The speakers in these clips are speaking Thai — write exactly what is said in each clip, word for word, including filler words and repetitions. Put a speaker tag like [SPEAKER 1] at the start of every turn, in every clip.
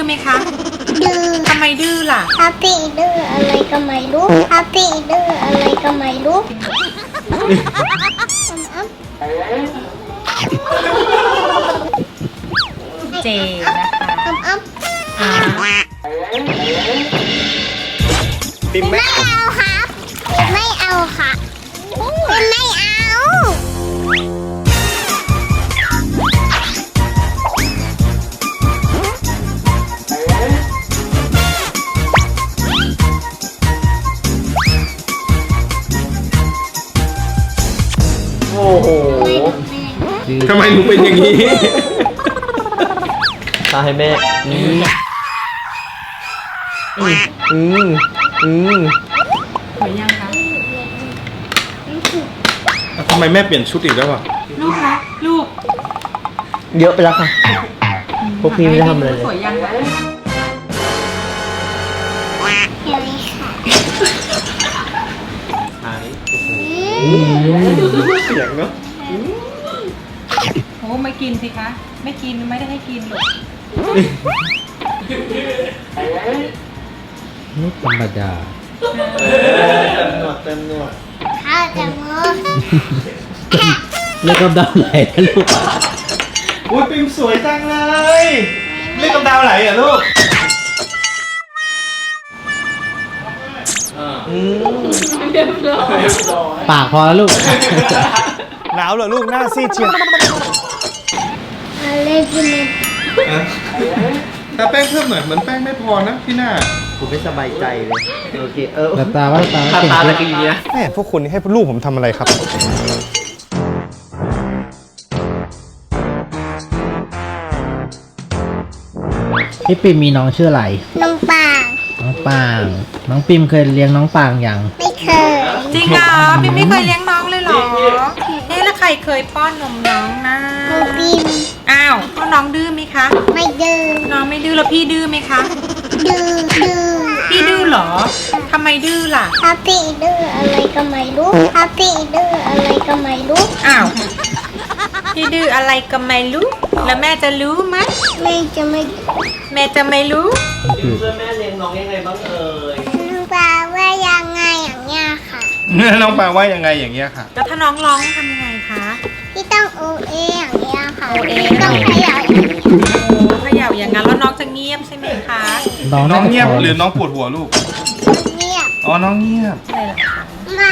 [SPEAKER 1] ไหมคะ
[SPEAKER 2] ดื้อ
[SPEAKER 1] ทำไมดื้อล่ะ
[SPEAKER 2] ฮัปปี้ดื้ออะไรก็ไม่รู้ฮัปปี้ดื้ออะไรก็ไม่รู้
[SPEAKER 1] เจนะคะ
[SPEAKER 2] อ้ำอ้
[SPEAKER 1] อ่า
[SPEAKER 3] ปิม
[SPEAKER 2] ำ
[SPEAKER 3] ไม่
[SPEAKER 2] ไม่เอาครับไม่เอาค่ะไม่เอา
[SPEAKER 3] โอ้โห
[SPEAKER 4] ทำไมหนูเป็นอย่างนี้
[SPEAKER 3] ตาให้แม่อืมอืมอืมอืม
[SPEAKER 1] สวยยังคะ
[SPEAKER 4] ทำไมแม่เปลี่ยนชุดอีกแล้วอ่ะ
[SPEAKER 1] ลูกคะลูก
[SPEAKER 3] เยอะไปแล้วค่ะพวกพี่ไม่ได้ทำอะไรเล
[SPEAKER 1] สวย
[SPEAKER 3] ย
[SPEAKER 1] ยังคะ
[SPEAKER 2] เห็นไหมค่ะ
[SPEAKER 3] หาย
[SPEAKER 4] เสียงเนาะ
[SPEAKER 1] โอ้ไม่กินสิคะไม่กินไม่ได้ให้กินหรอก
[SPEAKER 5] ไม่ธรรมดา
[SPEAKER 3] เต็มหนวดเต็มหนวด
[SPEAKER 2] ข้าวจะมือ
[SPEAKER 5] เลือกกำดาวไหลนะลูก
[SPEAKER 4] อุ้ยปิมสวยจังเลยเล่นกับดาวไหลอ่ะลูก
[SPEAKER 3] อืม
[SPEAKER 5] ปากพอแล้วลูก
[SPEAKER 4] หนาวเหรอลูกหน้าซีดเชียว
[SPEAKER 2] อะไรกินเนี่ย
[SPEAKER 4] แต่แป้งเพิ่มหน่อยเหมือนแป้งไม่พอนะที่หน้า
[SPEAKER 3] ผมไม่สบายใจเลยโอเคเออ
[SPEAKER 5] ตาตาว่าตา
[SPEAKER 3] ตา
[SPEAKER 5] เก่ง
[SPEAKER 3] ตา
[SPEAKER 5] เล
[SPEAKER 3] ตะ
[SPEAKER 5] ย
[SPEAKER 3] กี้นะ
[SPEAKER 4] แม่พวกคุณให้ลูกผมทำอะไรครับ
[SPEAKER 5] พี่ปิมมีน้องชื่ออะไร
[SPEAKER 2] น้องปาง
[SPEAKER 5] น้องปาง น้องปิมเคยเลี้ยงน้องปางยัง
[SPEAKER 2] ไม่เคย
[SPEAKER 1] จริงเหรอพี่ไม่เคยเลี้ยงน้องเลยเหรอเอ๊ะแล้วใครเคยป้อนนมน้องนะ
[SPEAKER 2] น้องปิม
[SPEAKER 1] อ้าวก็น้องดื้อไหมคะ
[SPEAKER 2] ไม่ดื้อ
[SPEAKER 1] น้องไม่ดื้อแล้วพี่ดื้อไหมคะ
[SPEAKER 2] ดื้อดื้อ
[SPEAKER 1] พี่ดื้อเหรอทำไมดื้อล่ะ
[SPEAKER 2] ฮัปปี้ดื้ออะไรก็ไม่รู้ฮัปปี้ดื้ออะไรก็ไม่รู้
[SPEAKER 1] อ้าวพี่ดื้ออะไรก็ไม่รู้แล้วแม่จะรู้ไหม
[SPEAKER 2] แม่จะไม่
[SPEAKER 1] แม่จะไม่รู้
[SPEAKER 3] ช่วยแม่เลี้ยงน้องยังไงบ้างเอ่ย
[SPEAKER 2] น้องปางว่ายังไงอย่างเงี้ยค่ะ
[SPEAKER 4] น้องปางว่ายังไงอย่างเงี้ยค่ะ
[SPEAKER 1] แล้วถ้าน้องร้องทำยังไงคะ
[SPEAKER 2] ที่ต้องโอเออย่างเงี้ยค่ะ
[SPEAKER 1] โอเอ
[SPEAKER 2] ต้องขยับ
[SPEAKER 1] โอ้เขย่าอย่างนั้นแล้วน้องจะเงียบใช่ไหมคะ
[SPEAKER 5] น้อง
[SPEAKER 4] น้
[SPEAKER 5] น่า
[SPEAKER 4] อง
[SPEAKER 5] จะ
[SPEAKER 4] เงียบ
[SPEAKER 5] พอ
[SPEAKER 4] หรือน้องปวดหัวลูก
[SPEAKER 2] เงียบ
[SPEAKER 4] อ๋อ น้องเงียบ
[SPEAKER 1] อะไรล่ะคะ
[SPEAKER 2] มา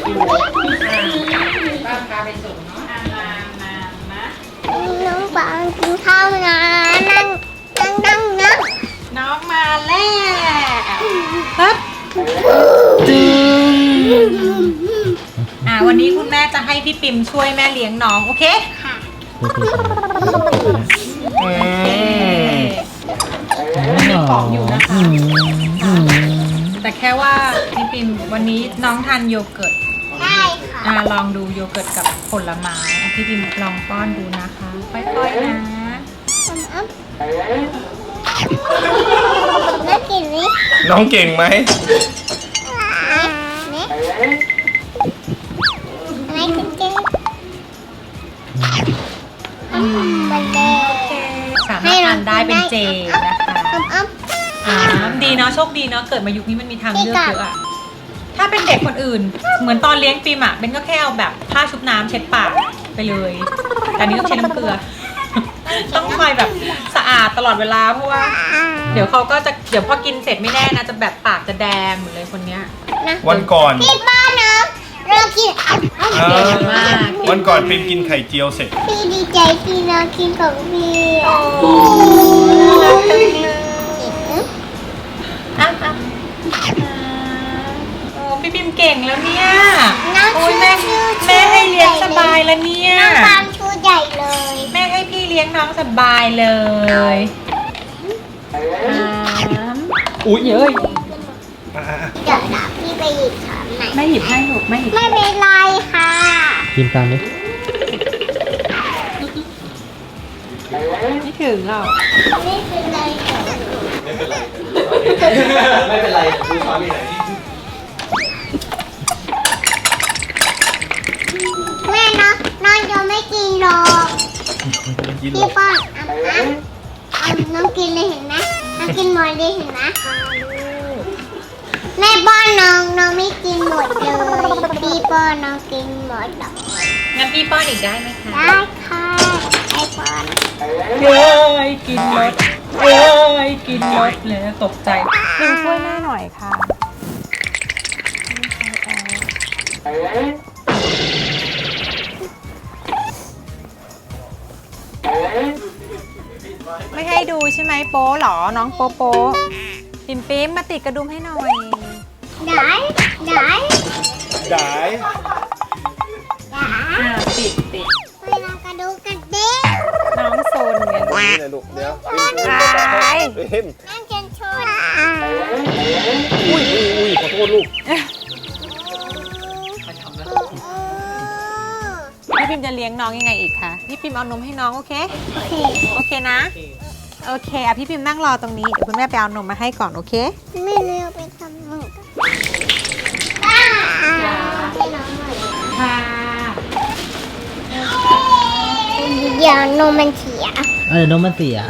[SPEAKER 1] ป้าพาไปส่งเนาะอามามามา
[SPEAKER 2] น้องปางกินข้าวนะนั่งนั่งนั่งนั่ง
[SPEAKER 1] น้องมาแล้วฮึบอ่าวันนี้คุณแม่จะให้พี่ปิมช่วยแม่เลี้ยงน้องโอเค
[SPEAKER 2] ค่ะ
[SPEAKER 4] อืม
[SPEAKER 1] มีของอยู่นะคะ
[SPEAKER 5] อืมอืม
[SPEAKER 1] แต่แค่ว่าพี่ปิมวันนี้น้องทานโยเกิร์ต
[SPEAKER 2] ได้ค่ะ
[SPEAKER 1] อ่าลองดูโยเกิร์ตกับผลไม้อ่ะพี่ปิมลองป้อนดูนะคะค่อยๆนะ
[SPEAKER 2] อ้ำอ้ำน่ากินไหม
[SPEAKER 4] น้องเก่งไหม
[SPEAKER 2] เนี่ยอะไรกินเจ๊อืมมันแดง
[SPEAKER 1] สามารถทานได้เป็นเจนะคะ
[SPEAKER 2] อ้ำอ้ำ
[SPEAKER 1] อ่าดีเนาะโชคดีเนาะเกิดมายุคนี้มันมีทางเลือกเยอะอะถ้าเป็นเด็กคนอื่น เหมือนตอนเลี้ยงปิมอะเบนก็แค่เอาแบบผ้าชุบน้ำเช็ดปากไปเลยแต่อันนี้ต้องเช็ดน้ำเกลือ ต้องคอยแบบสะอาดตลอดเวลาเพราะว่า เดี๋ยวเขาก็จะเดี๋ยวพอกินเสร็จไม่แน่นะจะแบบปากจะแดงหมดเลยคนเนี้ย
[SPEAKER 2] นะ
[SPEAKER 4] วันก่อน
[SPEAKER 2] ที่บ้านนะเรากินอ้ำอ้ำ
[SPEAKER 4] เอ
[SPEAKER 1] เก่
[SPEAKER 4] อง
[SPEAKER 1] มาก
[SPEAKER 4] วันก่อนปิมกินไข่เจียวเสร็จ
[SPEAKER 2] พี่ดีใจที่น้องกินของพี่
[SPEAKER 1] โอ้
[SPEAKER 2] อ่ะ
[SPEAKER 1] รักจังเลย
[SPEAKER 2] อืม
[SPEAKER 1] อ่ะอ่ะอ่าโอ้พี่ปิมเก่งแล้วเนี่ย
[SPEAKER 2] น้อง
[SPEAKER 1] โอ้ย
[SPEAKER 2] ชู
[SPEAKER 1] แม่
[SPEAKER 2] ชูชู
[SPEAKER 1] แม่ให้เลี้ยงสบายแล้วเนี่ย
[SPEAKER 2] น้องปามชูใหญ่เลย
[SPEAKER 1] แม่ให้พี่เลี้ยงน้องสบายเลยสาม
[SPEAKER 4] อุ๊ย
[SPEAKER 1] เยอะ
[SPEAKER 4] อ่ะ
[SPEAKER 2] เดี๋ยวนะพี่ไปหยิบถามไหนอย
[SPEAKER 1] แม่หยิบให้ลูกแม่หยิบ
[SPEAKER 2] ไม่เป็นไรค่ะ
[SPEAKER 5] กินตามดิ
[SPEAKER 1] ไม่ถึงหรอก
[SPEAKER 2] ไม่เป็นไรค่ะ
[SPEAKER 3] ไม่เป็นไรดูช้อนมีไหน
[SPEAKER 2] แม่นะน้องจะไม่กินหรอก
[SPEAKER 4] ๆกินหร
[SPEAKER 2] พี่
[SPEAKER 4] อ
[SPEAKER 2] ป้อนอ่ะอ่ะอ่ะน้องกินเลยเห็นไหมอ่ะกินหมดเลยเห็นไหมแม่ป้อนน้องน้องไม่กินหมดเลยพี่ป้อนน้องกินหมดเลย
[SPEAKER 1] งั้นพี่ป้อนอีกได้ไหมคะ
[SPEAKER 2] ได้ค่ะไอ้ป้อน
[SPEAKER 1] เย้ยกินรถเย้ยกินรถเลยตกใจหนึ่งช่วยแม่หน่อยค่ะไม่ให้ดูใช่ไหมโป๊หรอน้องโป๊โป๊ปิมปิมมาติดกระดุมให้หน่อย
[SPEAKER 2] ได้ได้
[SPEAKER 4] ได้
[SPEAKER 2] ได้
[SPEAKER 1] อ่าติดติด
[SPEAKER 2] เวลากระดูกกระเด้ง
[SPEAKER 1] น้องโซนไง
[SPEAKER 4] นี่นะลูกเดี๋ยว
[SPEAKER 1] ไป
[SPEAKER 4] พิม
[SPEAKER 2] นั่งจนชน
[SPEAKER 4] อุ้ยอุ้ยอุ้ยขอโทษลูก
[SPEAKER 1] พี่พิมจะเลี้ยงน้องยังไงอีกคะพี่พิมเอานมให้น้องโอเค
[SPEAKER 2] โอเค
[SPEAKER 1] โอเคนะ โอเคอ่ะพี่พิมนั่งรอตรงนี้ เดี๋ยวคุณแม่ไปเอานมมาให้ก่อนโอเค
[SPEAKER 2] ไม่เลือกไปทำหนึ่งกันให้น้องหน่อย
[SPEAKER 1] ค่ะ
[SPEAKER 2] เดี๋ยวนมมันเสีย
[SPEAKER 5] เออน้องมันเสีย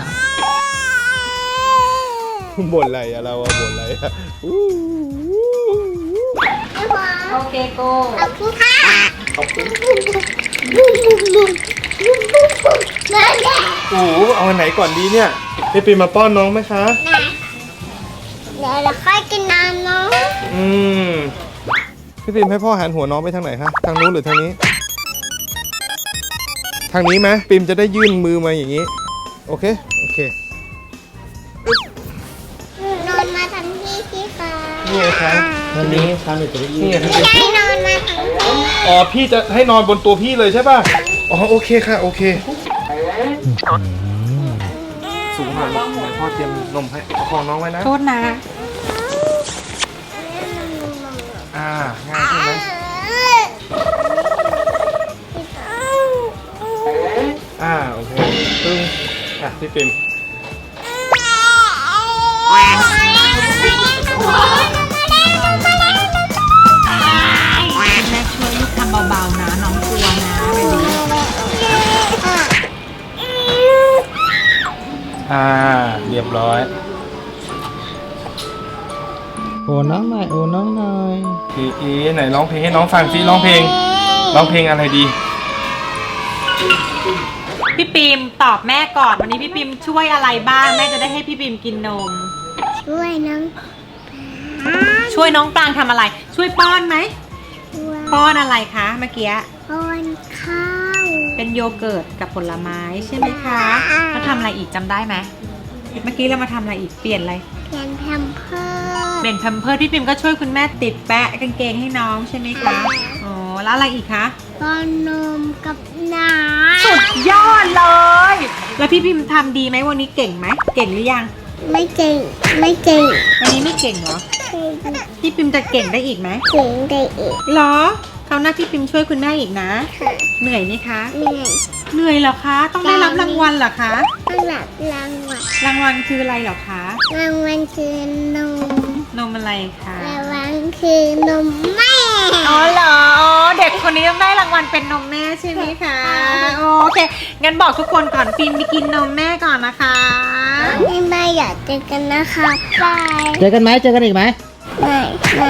[SPEAKER 4] บ่นอะไรอะเราอะบ่นอะไรอะอู้
[SPEAKER 2] ไม่พอ
[SPEAKER 1] โอเคโก
[SPEAKER 2] เอาขึ้นค่ะ
[SPEAKER 4] ขอบคุณ
[SPEAKER 2] มาแล้
[SPEAKER 4] โอ้โหเอาอันไหนก่อนดีเนี่ยพี่ปีมาป้อนน้องไหมคะ
[SPEAKER 2] นะเดี๋ยวเราค่อยกินน้ำเนาะ
[SPEAKER 4] อืมพี่ปีมให้พ่อหันหัวน้องไปทางไหนคะทางนู้นหรือทางนี้ ทางนี้ไหมปีมจะได้ยื่นมือมาอย่างนี้ โอเคโอเคน
[SPEAKER 2] อนมาทำที่ที่ค่ะ
[SPEAKER 4] นี่ไงคะ
[SPEAKER 5] วันนี้คราวหนึ่งจะได้ยื
[SPEAKER 4] นี่
[SPEAKER 5] น
[SPEAKER 4] ไงพี่
[SPEAKER 2] ไม่
[SPEAKER 4] ปีม
[SPEAKER 2] ได้นอนมาทำที่
[SPEAKER 4] อ๋อพี่จะให้นอนบนตัวพี่เลยใช่ป่ะอ๋อโอเคค่ะโอเค สูงหน่อยลูกเดี๋ยวพ่อเตรียมนมให้ประคองน้องไว้นะ
[SPEAKER 1] โทษนะ
[SPEAKER 4] อ่าง่ายใช่ไหมอ่าโอเคตึ้งอ่ะพี่ปิ่ม
[SPEAKER 1] แม่ช่วยลูกทำเบาๆนะน้องกลัวนะเบบี
[SPEAKER 4] อ่าเรียบร้อย
[SPEAKER 5] โอ้น้องหน่อยโอ้น้องหน่อย
[SPEAKER 4] เอ๋เอ๋ไหนร้องเพลงให้น้องฟังสิร้องเพลงร้องเพลงอะไรดี
[SPEAKER 1] พี่ปิมตอบแม่ก่อนวันนี้พี่ปิมช่วยอะไรบ้างแม่จะได้ให้พี่ปิมกินนม
[SPEAKER 2] ช่วยน้อง
[SPEAKER 1] ช่วยน้องปรางทำอะไร ช่วยป้อนไหม
[SPEAKER 2] ช่วย
[SPEAKER 1] ป้อนอะไรคะเมื่อกี้
[SPEAKER 2] ป้อนข้าว
[SPEAKER 1] เป็นโยเกิร์ตกับผลไม้ใช่ไหมคะเราทำอะไรอีกจำได้ไหมเมื่อกี้เรามาทำอะไรอีกเปลี่ยนอะไร
[SPEAKER 2] เปลี่ยนแพมเพิร์
[SPEAKER 1] เปลี่ยนแพมเพิร์สพี่ปิมก็ช่วยคุณแม่ติดแปะกางเกงให้น้องใช่ไหมคะอ๋อแล้วอะไรอีกคะ
[SPEAKER 2] ป้อนนมกับน้
[SPEAKER 1] สุดยอดเลย แล้วพี่พิมทำดีไหมวันนี้เก่งไหมเก่งหรือยัง
[SPEAKER 2] ำไม่เก่งไม่เก่ง
[SPEAKER 1] วันนี้ไม่เก่งเหรอ
[SPEAKER 2] เก่ง
[SPEAKER 1] พี่ปิมจะเก่งได้อีกไหม
[SPEAKER 2] เก่งได้อีก
[SPEAKER 1] เหรอคราวหน้าพี่ปิมช่วยคุณแม่อีกนะ
[SPEAKER 2] ค่ะ
[SPEAKER 1] เหนื่อยไหมคะ
[SPEAKER 2] เหนื่อย
[SPEAKER 1] เหนื่อยเหรอคะ ต้องได้รับรางวัลเหรอคะ
[SPEAKER 2] ต้องหลับรางวัล
[SPEAKER 1] รางวัลคืออะไรเหรอคะ
[SPEAKER 2] รางวัลคือนม
[SPEAKER 1] นมอะไรคะ
[SPEAKER 2] รางวัลคือนมแม่
[SPEAKER 1] อ๋อเหรออ๋อเด็กคนนี้ต้องได้รางวัลเป็นนมแม่ใช่ไหมคะโอเคงั้นบอกทุกคนก่อนปิมไปกินนมแม่ก่อนนะคะ
[SPEAKER 2] ไม่ไม่อยากเจอกันนะคะบาย
[SPEAKER 5] เจอกันไหมเจอกันอีกไหม
[SPEAKER 2] ไม่ไม่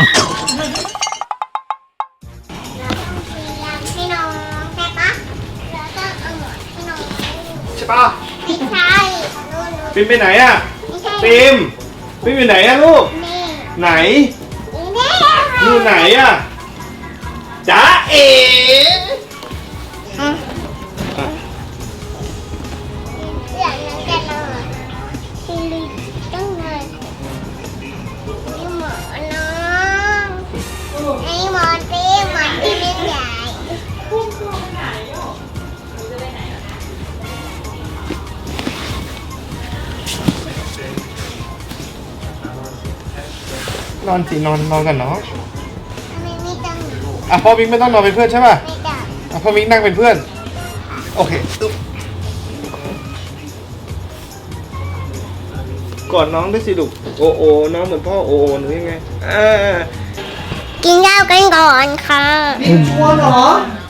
[SPEAKER 2] ให้น้องใช่ปะเราต้องเอาหมอนให้น้อง
[SPEAKER 4] ใช่ป่ะ
[SPEAKER 2] ไม่ใช่นู่นนู่น
[SPEAKER 4] ปิมไปไหนอะ
[SPEAKER 2] ไม่ใช่
[SPEAKER 4] ปิมปิมอยู่ไหนอะลูก
[SPEAKER 2] นี่
[SPEAKER 4] ไหน
[SPEAKER 2] นี่
[SPEAKER 4] อยู่ไหนอะจ๊ะเอ๋
[SPEAKER 2] อ่ะอยากนั่งกันเลยที่ลิต้องเลยนี่หมอนน้องไอ้หมอนตีหมอนตีเล่นใหญ่
[SPEAKER 4] นอนสินอนนอนกันเนาะ
[SPEAKER 2] ทำไมไม่ต้อง
[SPEAKER 4] อ่ะพ่อมิกไม่ต้องนอนเป็นเพื่อนใช่ป่ะ
[SPEAKER 2] ไม่ต้อง
[SPEAKER 4] อ่ะพ่อมิกนั่งเป็นเพื่อนโอเคอึ๊บกอดน้องด้วยสิลูกโอโอน้องเหมือนพ่อโอโอหรือยังไงอ่า
[SPEAKER 2] กินข้าวกันก่อนค่ะ
[SPEAKER 4] กลัวเหรอ